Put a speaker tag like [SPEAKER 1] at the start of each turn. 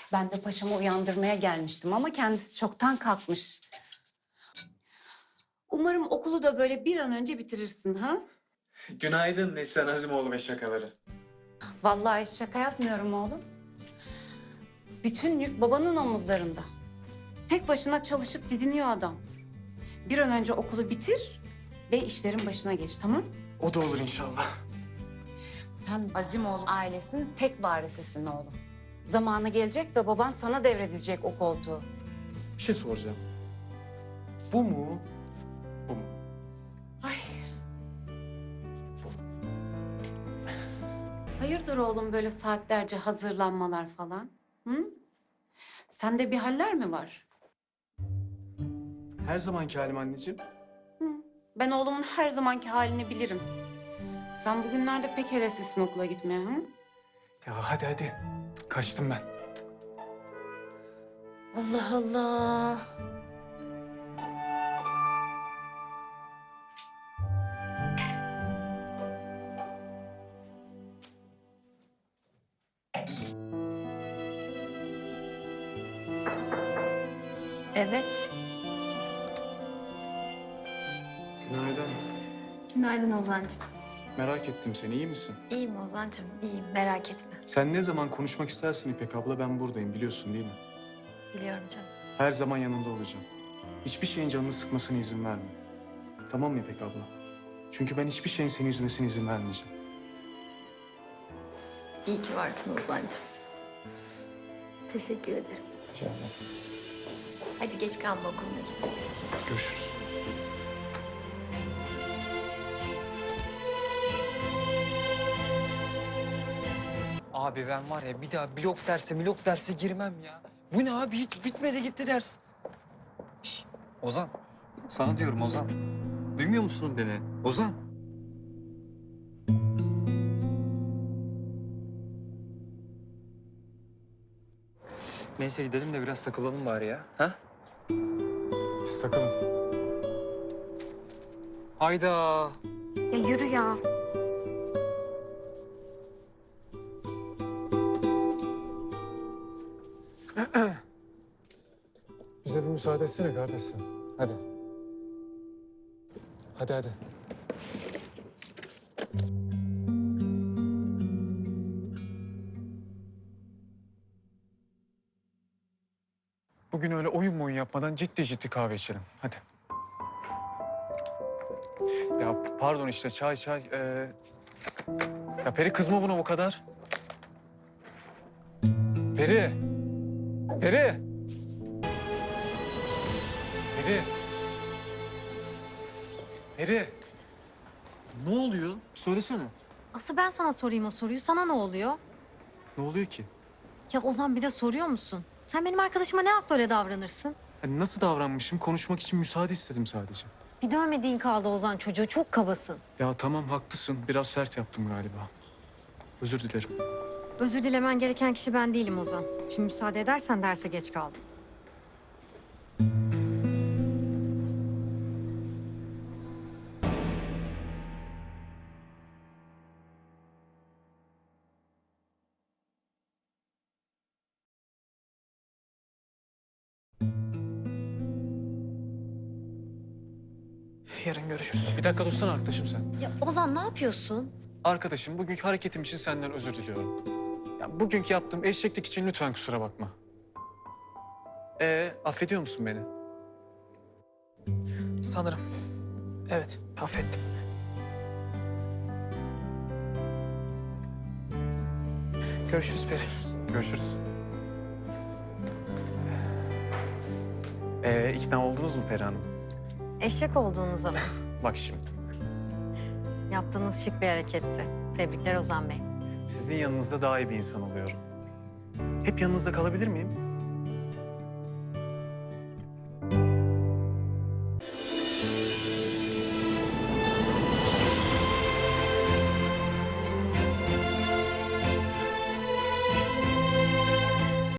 [SPEAKER 1] Ben de paşamı uyandırmaya gelmiştim ama kendisi çoktan kalkmış. Umarım okulu da böyle bir an önce bitirirsin ha?
[SPEAKER 2] Günaydın Neslihan Azimoğlu ve şakaları.
[SPEAKER 1] Vallahi şaka yapmıyorum oğlum. Bütün yük babanın omuzlarında. Tek başına çalışıp didiniyor adam. Bir an önce okulu bitir ve işlerin başına geç, tamam?
[SPEAKER 2] O da olur inşallah.
[SPEAKER 1] Sen Azimoğlu ailesinin tek varisisin oğlum. Zamanı gelecek ve baban sana devredecek o koltuğu.
[SPEAKER 2] Bir şey soracağım. Bu mu? Bu mu?
[SPEAKER 1] Ay. Hayırdır oğlum böyle saatlerce hazırlanmalar falan? Hı? Sende bir haller mi var?
[SPEAKER 2] Her zamanki halim anneciğim.
[SPEAKER 1] Hı. Ben oğlumun her zamanki halini bilirim. Sen bugünlerde pek heveslisin okula gitmeye, hı?
[SPEAKER 2] Ya hadi. Kaçtım ben.
[SPEAKER 1] Allah Allah.
[SPEAKER 3] Evet.
[SPEAKER 2] Günaydın.
[SPEAKER 3] Günaydın Ozan'cığım.
[SPEAKER 2] Merak ettim seni. İyi misin?
[SPEAKER 3] İyiyim Ozan'cığım, iyiyim. Merak etme.
[SPEAKER 2] Sen ne zaman konuşmak istersin İpek abla ben buradayım biliyorsun değil mi?
[SPEAKER 3] Biliyorum canım.
[SPEAKER 2] Her zaman yanında olacağım. Hiçbir şeyin canını sıkmasına izin verme. Tamam mı İpek abla? Çünkü ben hiçbir şeyin seni üzmesine izin vermeyeceğim.
[SPEAKER 3] İyi ki varsın Ozan'cığım. Teşekkür ederim.
[SPEAKER 2] İnşallah.
[SPEAKER 3] Hadi geç kalma okuluna git.
[SPEAKER 2] Görüşürüz.
[SPEAKER 4] Abi ben var ya bir daha blok derse girmem ya. Bu ne abi hiç bitmedi gitti ders. Şş, Ozan. Sana diyorum Ozan. Duymuyor musun beni? Ozan. Neyse gidelim de biraz takılalım bari ya. Ha?
[SPEAKER 2] Biz takalım.
[SPEAKER 4] Hayda.
[SPEAKER 5] Ya yürü ya.
[SPEAKER 2] Bize bir müsaade etsene kardeş sen. Hadi. Hadi. Bugün öyle oyun yapmadan ciddi kahve içelim. Hadi. Ya pardon işte çay. Ya Peri kızma buna bu kadar. Peri. Peri. Peri. Peri. Ne oluyor? Söylesene.
[SPEAKER 5] Asıl ben sana sorayım o soruyu. Sana ne oluyor?
[SPEAKER 2] Ne oluyor ki?
[SPEAKER 5] Ya Ozan bir de soruyor musun? Sen benim arkadaşıma ne hakla öyle davranırsın?
[SPEAKER 2] Yani nasıl davranmışım? Konuşmak için müsaade istedim sadece.
[SPEAKER 5] Bir dövmediğin kaldı Ozan çocuğu. Çok kabasın.
[SPEAKER 2] Ya tamam haklısın. Biraz sert yaptım galiba. Özür dilerim.
[SPEAKER 5] Özür dilemen gereken kişi ben değilim Ozan. Şimdi müsaade edersen derse geç kaldım.
[SPEAKER 2] Yarın görüşürüz. Bir dakika dursana arkadaşım sen.
[SPEAKER 5] Ya Ozan ne yapıyorsun?
[SPEAKER 2] Arkadaşım bugünkü hareketim için senden özür diliyorum. Ya bugünkü yaptığım eşeklik için lütfen kusura bakma. Affediyor musun beni?
[SPEAKER 6] Sanırım. Evet, affettim. Görüşürüz Peri.
[SPEAKER 2] Görüşürüz. İkna oldunuz mu Peri Hanım?
[SPEAKER 5] Eşek olduğunuz zaman.
[SPEAKER 2] Bak şimdi.
[SPEAKER 5] Yaptığınız şık bir hareketti. Tebrikler Ozan Bey.
[SPEAKER 2] Sizin yanınızda daha iyi bir insan oluyorum. Hep yanınızda kalabilir miyim?